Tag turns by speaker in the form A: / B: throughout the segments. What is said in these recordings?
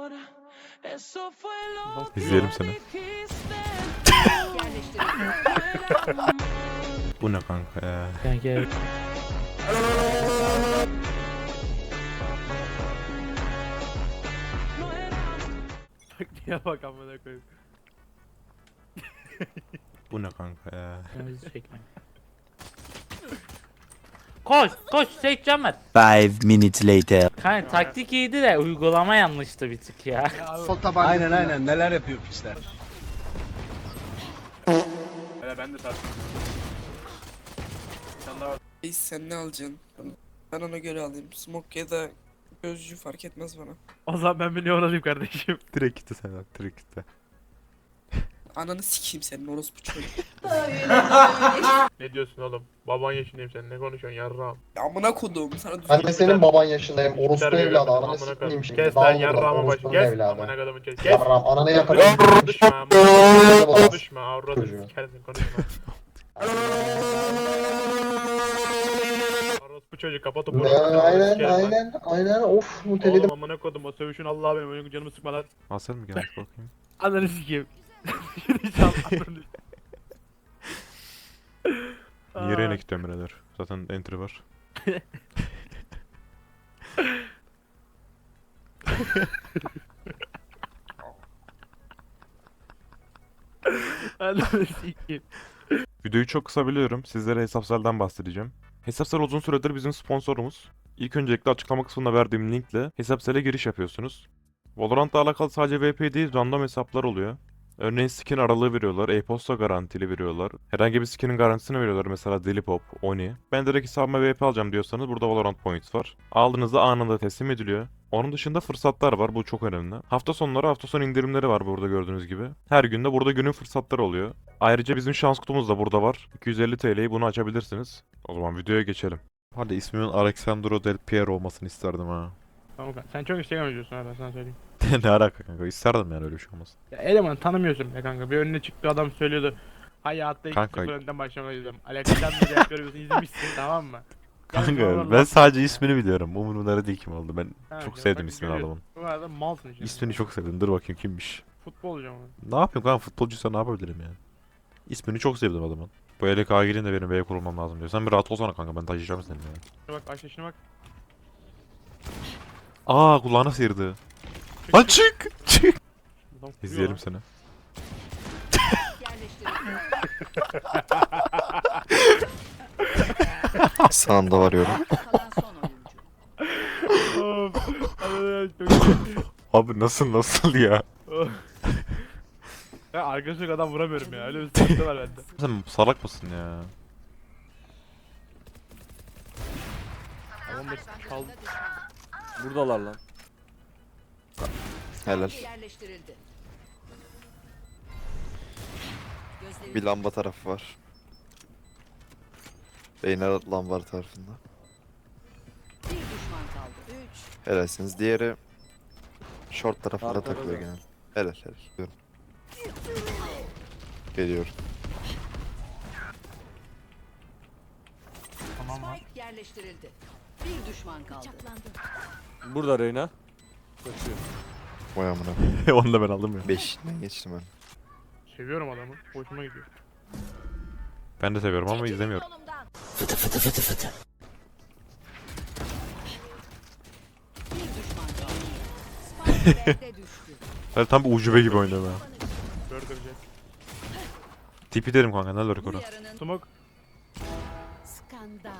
A: İzleyelim seni. Bu ne kanka ya?
B: Kanka
C: Taktiğe bak amına koyayım.
A: Bu ne kanka ya?
B: bizi çekme. Koş koş seçeceğim ben.
D: 5 minutes later.
B: Kanka taktik iyiydi de uygulama yanlıştı bir tık ya.
E: Aynen neler yapıyor pisler.
C: Hele ben de tartıştım. Sen daha
F: Sen ne alacaksın? Ben ona göre alayım. Smoke ya da gözcü fark etmez bana.
C: o zaman ben bir Neon alayım kardeşim.
A: Direkt gitti sen, direkt gitti.
F: Ananı sikeyim senin orospu çocuk.
C: Ne diyorsun oğlum? Baban yaşındayım sen ne konuşuyorsun yarrağım?
F: Amına kodum sana düzgün.
G: Ben de senin baban yaşındayım. Orospu
C: Terbiye
G: evladı.
C: verdim,
G: Ananı
C: amına
G: sikeyim
C: koyayım.
G: şimdi.
C: Kes
G: Dağıl
C: lan
G: buradan,
C: yarrağıma başı
G: orospunun
C: kes.
G: evladı.
C: Amına kadamın kes. Kes.
G: Yarram ananı yakarım.
C: Konuşma amına. Konuşma avradını
G: Çocuğu.
C: sikersin konuşma. Orospu çocuk kapat o
G: Ne,
C: burası.
G: aynen of muteledim.
C: Oğlum amına kodum o sövüşün Allah benim oyun canımı sıkma lan.
A: Asel mi gelmiş bakayım?
C: Ananı sikeyim. Diyeceğim ananı.
A: Niye reyne gidiyorum birader? Zaten entry var.
C: Ananı sikeyim.
A: Videoyu çok kısa biliyorum. Sizlere Hesapsel'den bahsedeceğim. Hesapsel uzun süredir bizim sponsorumuz. İlk öncelikle açıklama kısmında verdiğim linkle Hesapsel'e giriş yapıyorsunuz. Valorant'la alakalı sadece VP değil, random hesaplar oluyor. Örneğin skin aralığı veriyorlar, e-posta garantili veriyorlar. Herhangi bir skinin garantisini veriyorlar, mesela Delipop, Oni. Ben direkt hesabıma VP alacağım diyorsanız burada Valorant Points var. Aldığınızda anında teslim ediliyor. Onun dışında fırsatlar var, bu çok önemli. Hafta sonu indirimleri var burada gördüğünüz gibi. Her günde burada günün fırsatları oluyor. Ayrıca bizim şans kutumuz da burada var. 250 TL'yi bunu açabilirsiniz. O zaman videoya geçelim. Hadi ismimin Alexandro Del Piero olmasını isterdim ha.
C: Tamam kanka. Sen çok Instagram yazıyorsun ha ben sana söyleyeyim.
A: Ne alaka kanka, isterdim yani öyle bir şey olmasın.
C: Ya elemanı tanımıyorsun be kanka. Bir önüne çıktı adam söylüyordu. Hayatta ilk
A: Kanka-
C: sıfır önden başlamayı izledim. Alexander Jack görüyorsun izlemişsin tamam mı?
A: Kanka ben sadece ismini biliyorum. Umurumda değil kim oldu. Ben
C: Ha,
A: çok
C: ya
A: sevdim
C: bak
A: ismini
C: görüyorsun.
A: adamın.
C: Bu arada malsın işte.
A: İsmini çok sevdim. Dur bakayım kimmiş.
C: Futbolcu ama.
A: Ne yapayım kanka, futbolcuysa ne yapabilirim yani. İsmini çok sevdim adamın. Bu elek agilin de benim B'ye kurulmam lazım diyor. Sen bir rahat olsana kanka, ben taşıyacağım seni ya.
C: Şuna bak aç yaşına bak.
A: Aa, kulağına sıyırdı. Lan çık! Çık!
C: Adam kuruyor
A: İzleyelim
C: lan.
A: seni.
D: Sağında varıyorum.
C: Of, Allah'ım, çok iyi.
A: Abi nasıl ya?
C: Of. Ya arkadaşlık adam vuramıyorum ya. Öyle bir sıkıntı var bende.
A: Sen salak mısın ya?
C: Tamam da kaldı.
E: Buradalar lan.
D: Helal.
H: Yerleştirildi.
D: Bir lamba tarafı var. Beyner lamba tarafında.
H: Bir düşman kaldı. 3.
D: Helalsiniz. Diğeri short tarafında
E: Arkada
D: takılıyor
E: da.
D: genel. Helal. Diyorum. Geliyorum.
C: Tamam lan.
H: Spike yerleştirildi. Bir düşman kaldı.
E: Burada Reyna. Kaçıyor.
D: Vay amına.
A: Onu da ben aldım ya.
D: 5'inden geçtim ben.
C: Seviyorum adamı. Hoşuma gidiyor.
A: Ben de seviyorum ama izlemiyorum.
H: Bir düşman kaldı. Spike B'de düştü.
A: Ben tam bir ucube gibi oynuyorum ya.
C: Burger Jack.
A: Tipi derim kanka, ne lurk
H: Bu
A: orası.
H: yarının
C: Smoke.
H: skandal.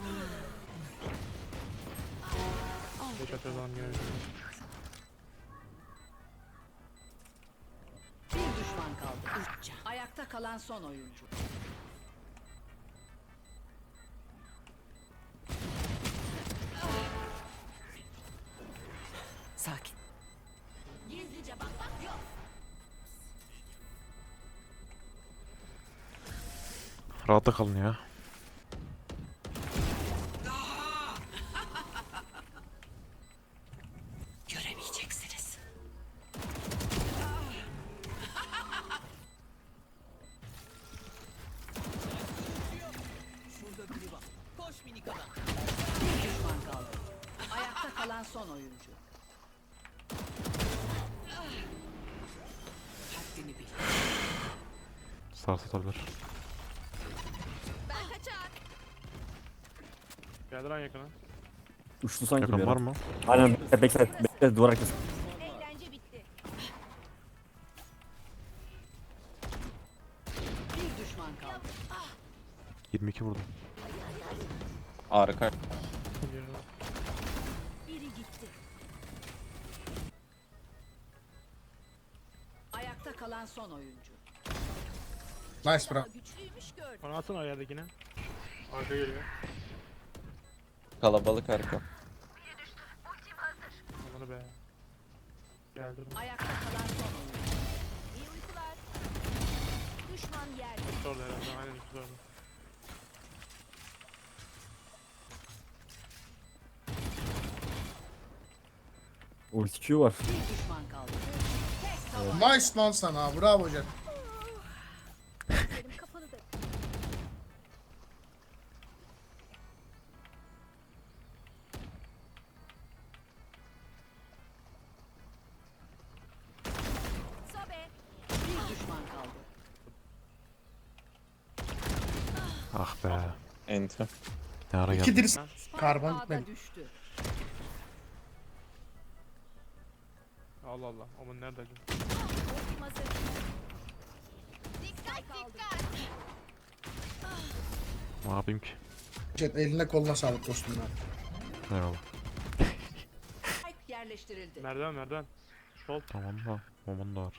C: Beş atıyor adam gene.
H: Bir düşman kaldı. Ayakta kalan son oyuncu. Sakin. Gizlice bakmak yok.
A: Rahatta kalın ya.
H: Göremeyeceksiniz. Şurada biri var. Koş minik adam. Bir düşman kaldı. Ayakta kalan son oyuncu.
A: Sarsatabilir.
C: Geldi lan yakına.
I: Uçtu sanki bir
A: Yakın var
I: ara.
A: mı?
I: Aynen bekle duvar arkası.
H: Eğlence bitti. Bir düşman kaldı.
A: 22 vurdum.
E: Harika.
H: Biri gitti. Ayakta kalan son oyuncu.
E: Nice bro.
H: Güçlüymüş gördüm.
C: Bana atsana ayardakine. Arka geliyor.
E: Kalabalık harika.
C: Amanı be. Geldi.
H: Ayakta kalan son oyuncu. İyi uykular. Düşman yerde.
C: Orada herhalde. Aynen ikisi orada.
I: Ulti Q var.
H: Bir düşman kaldı. Tek tavan.
E: Nice lan sana. Bravo hocam.
H: Benim kafanı da. Sobe. Bir düşman kaldı.
A: Ah be.
E: Enter.
A: Ne ara geldi?
H: Spike
E: Karbon
H: A'da
E: gitmedi.
H: düştü.
C: Allah Allah. Aman nerede acaba?
H: Ultim hazır. Dikkat dikkat.
A: Ne yapayım ki?
E: Jet eline koluna sağlık dostum ya.
A: Eyvallah.
H: Spike yerleştirildi.
C: Merdiven merdiven. Sol.
A: Tamam da. Momon da var.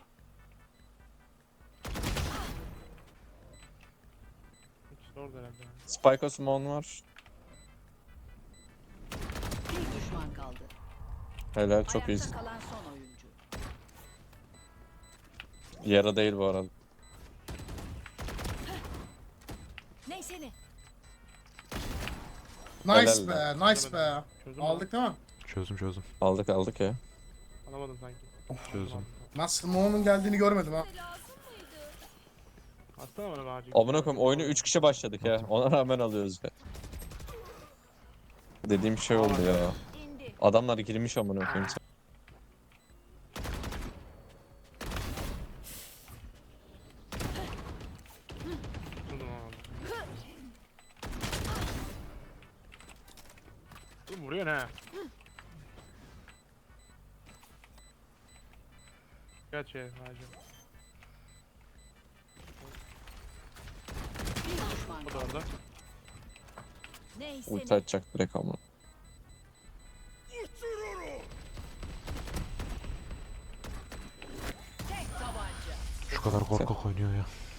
C: İkisi orada herhalde.
E: Spike Osman var.
H: Bir düşman kaldı.
E: Helal çok
H: Ayakta
E: iyisin.
H: kalan son oyuncu.
E: Yara değil bu arada.
H: Neyse ne?
E: Nice
C: Helal
E: be, nice be.
C: Çözdün mü?
E: Aldık değil mi?
A: Çözdüm.
E: Aldık ya.
C: Alamadım sanki.
A: Çözdüm.
E: Nasıl Mo'nun geldiğini görmedim ha.
C: Atsana bana bağcık.
E: Amına koyayım oyunu 3 kişi başladık ya. Ona rağmen alıyoruz ya. Dediğim şey oldu ya.
H: İndi.
E: Adamlar girmiş amına koyayım.
C: Tutundum ama. Dur vuruyor ne? Kaç şey hacı.
H: Bir düşman
C: O da
H: kaldı.
C: orada.
H: Neyse
E: Ulti
H: ne?
E: atacak direkt amına.
H: Tek tabanca.
A: Şu kadar korkak oynuyor ya.